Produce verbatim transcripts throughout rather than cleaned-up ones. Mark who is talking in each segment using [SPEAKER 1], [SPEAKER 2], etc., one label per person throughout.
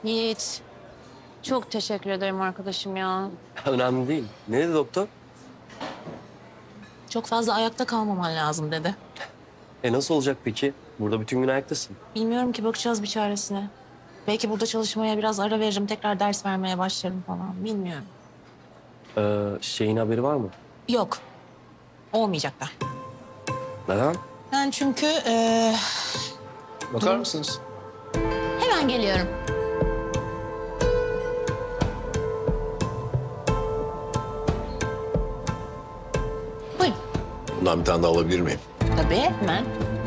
[SPEAKER 1] Yiğit, çok teşekkür ederim arkadaşım ya.
[SPEAKER 2] Önemli değil. Ne dedi doktor?
[SPEAKER 1] Çok fazla ayakta kalmaman lazım dedi.
[SPEAKER 2] E nasıl olacak peki? Burada bütün gün ayaktasın.
[SPEAKER 1] Bilmiyorum ki, bakacağız bir çaresine. Belki burada çalışmaya biraz ara veririm, tekrar ders vermeye başlarım falan. Bilmiyorum.
[SPEAKER 2] Ee, şeyin haberi var mı?
[SPEAKER 1] Yok, olmayacak da.
[SPEAKER 2] Neden?
[SPEAKER 1] Ben çünkü eee,
[SPEAKER 2] Bakar mısınız?
[SPEAKER 1] hemen geliyorum. Buyurun.
[SPEAKER 3] Bundan bir tane daha alabilir miyim?
[SPEAKER 1] Tabii, hemen.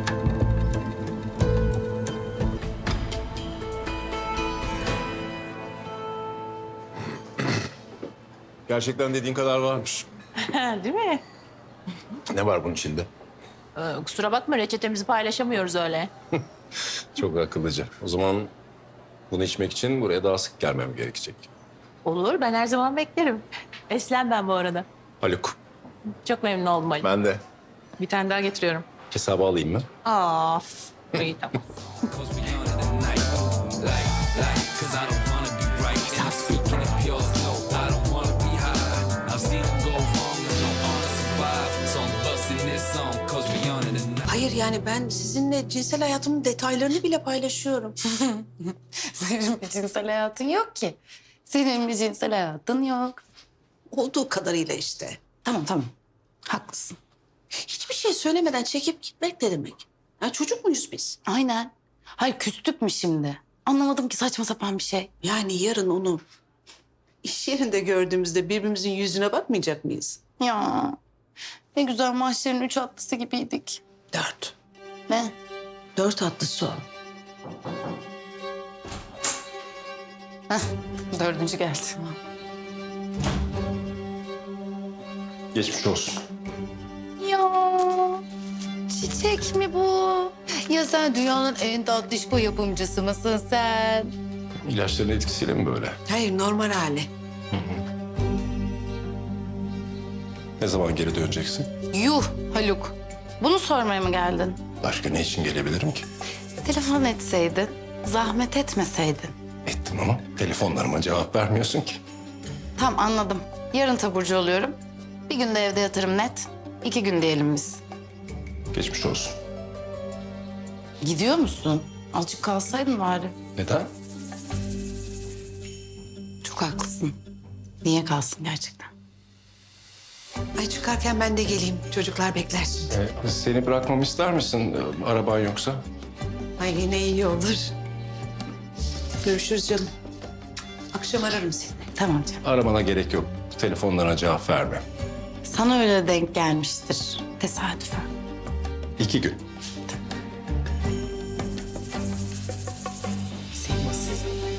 [SPEAKER 3] Gerçekten dediğin kadar varmış.
[SPEAKER 1] Değil mi?
[SPEAKER 3] Ne var bunun içinde?
[SPEAKER 1] Ee, kusura bakma, reçetemizi paylaşamıyoruz öyle.
[SPEAKER 3] Çok akıllıca. O zaman bunu içmek için buraya daha sık gelmem gerekecek.
[SPEAKER 1] Olur, ben her zaman beklerim. Eslem ben bu arada.
[SPEAKER 3] Haluk.
[SPEAKER 1] Çok memnun oldum Ali.
[SPEAKER 3] Ben de.
[SPEAKER 1] Bir tane daha getiriyorum.
[SPEAKER 3] Hesabı alayım mı?
[SPEAKER 1] Aa, iyi tamam.
[SPEAKER 4] Hayır yani ben sizinle cinsel hayatımın detaylarını bile paylaşıyorum.
[SPEAKER 5] Senin bir cinsel hayatın yok ki. Senin bir cinsel hayatın yok.
[SPEAKER 4] Olduğu kadarıyla işte.
[SPEAKER 5] Tamam tamam. Haklısın.
[SPEAKER 4] Hiçbir şey söylemeden çekip gitmek ne demek? Ya çocuk muyuz biz?
[SPEAKER 5] Aynen. Hayır küstük mü şimdi? Anlamadım ki, saçma sapan bir şey.
[SPEAKER 4] Yani yarın onu iş yerinde gördüğümüzde birbirimizin yüzüne bakmayacak mıyız?
[SPEAKER 5] Ya ne güzel mahşerin üç atlısı gibiydik.
[SPEAKER 4] Dört.
[SPEAKER 5] Ne?
[SPEAKER 4] Dört atlısı o.
[SPEAKER 5] Heh, dördüncü geldi.
[SPEAKER 3] Geçmiş olsun.
[SPEAKER 5] Ya çiçek mi bu? Ya sen dünyanın en tatlışko yapımcısı mısın sen?
[SPEAKER 3] İlaçların etkisiyle mi böyle?
[SPEAKER 4] Hayır normal hali.
[SPEAKER 3] Ne zaman geri döneceksin?
[SPEAKER 5] Yuh Haluk. Bunu sormaya mı geldin?
[SPEAKER 3] Başka ne için gelebilirim ki?
[SPEAKER 5] Telefon etseydin, zahmet etmeseydin.
[SPEAKER 3] Ettim ama telefonlarıma cevap vermiyorsun ki.
[SPEAKER 5] Tam anladım. Yarın taburcu oluyorum. Bir günde evde yatarım net. İki gün diyelim biz.
[SPEAKER 3] Geçmiş olsun.
[SPEAKER 5] Gidiyor musun? Azıcık kalsaydın bari.
[SPEAKER 3] Neden?
[SPEAKER 5] Çok haklısın. Niye kalsın gerçekten?
[SPEAKER 4] Ay çıkarken ben de geleyim. Çocuklar bekler şimdi.
[SPEAKER 3] Ee, seni bırakmamı ister misin? Ee, araban yoksa?
[SPEAKER 4] Ay yine iyi olur. Görüşürüz canım. Akşam ararım seni.
[SPEAKER 5] Tamam canım.
[SPEAKER 3] Aramana gerek yok. Telefonlarına cevap verme.
[SPEAKER 5] Sana öyle denk gelmiştir. Tesadüfen.
[SPEAKER 3] İki gün.
[SPEAKER 5] Sevimsiz.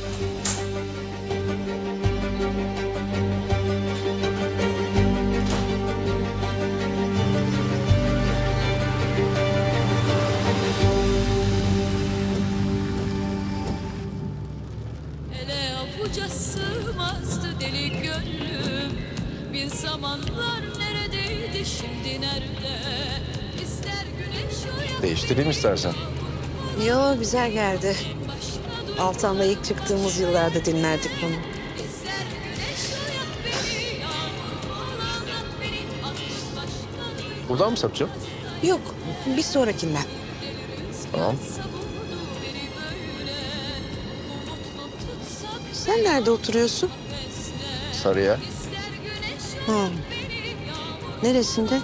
[SPEAKER 6] Ele avuca sığmazdı deli gönlüm. Bir zamanlar neredeydi, şimdi nerede? İster güneş o ya
[SPEAKER 3] Değiştireyim istersen.
[SPEAKER 4] Yo güzel geldi.
[SPEAKER 6] başka dur,
[SPEAKER 4] Altan'la ilk çıktığımız yıllarda dinlerdik bunu.
[SPEAKER 6] ister güneş o ya beni, yağmur ol anlat beni, aklın başka dur.
[SPEAKER 3] Buradan mı sapacağım?
[SPEAKER 4] Yok bir sonrakinden.
[SPEAKER 3] Tamam.
[SPEAKER 6] Savurdu beni böyle, umutlu tutsak
[SPEAKER 4] Sen nerede oturuyorsun?
[SPEAKER 6] besle.
[SPEAKER 3] Sarıya.
[SPEAKER 6] İster güneş
[SPEAKER 4] Hı.
[SPEAKER 6] beni, yağmur
[SPEAKER 4] Neresinde?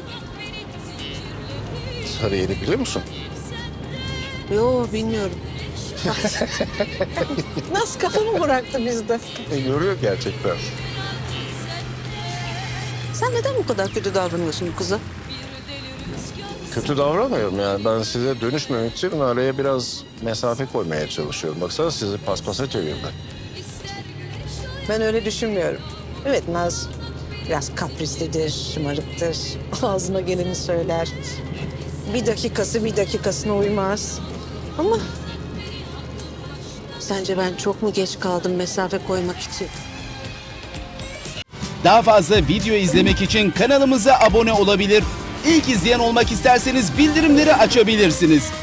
[SPEAKER 3] Sarıyer'i biliyor musun?
[SPEAKER 4] Yo bilmiyorum. Nasıl kafamı bıraktı bizde?
[SPEAKER 3] E, yoruyor gerçekten.
[SPEAKER 4] Sen neden bu kadar kötü davranıyorsun bu kıza?
[SPEAKER 3] Kötü davranmıyorum yani. Ben size dönüşmemek için araya biraz mesafe koymaya çalışıyorum. Baksana sizi paspasa çevirdi.
[SPEAKER 4] Ben öyle düşünmüyorum. Evet Naz biraz kaprislidir, şımarıktır. Ağzına geleni söyler. Bir dakikası bir dakikasına uymaz. Ama sence ben çok mu geç kaldım mesafe koymak için?
[SPEAKER 7] Daha fazla video izlemek için kanalımıza abone olabilir. İlk izleyen olmak isterseniz bildirimleri açabilirsiniz.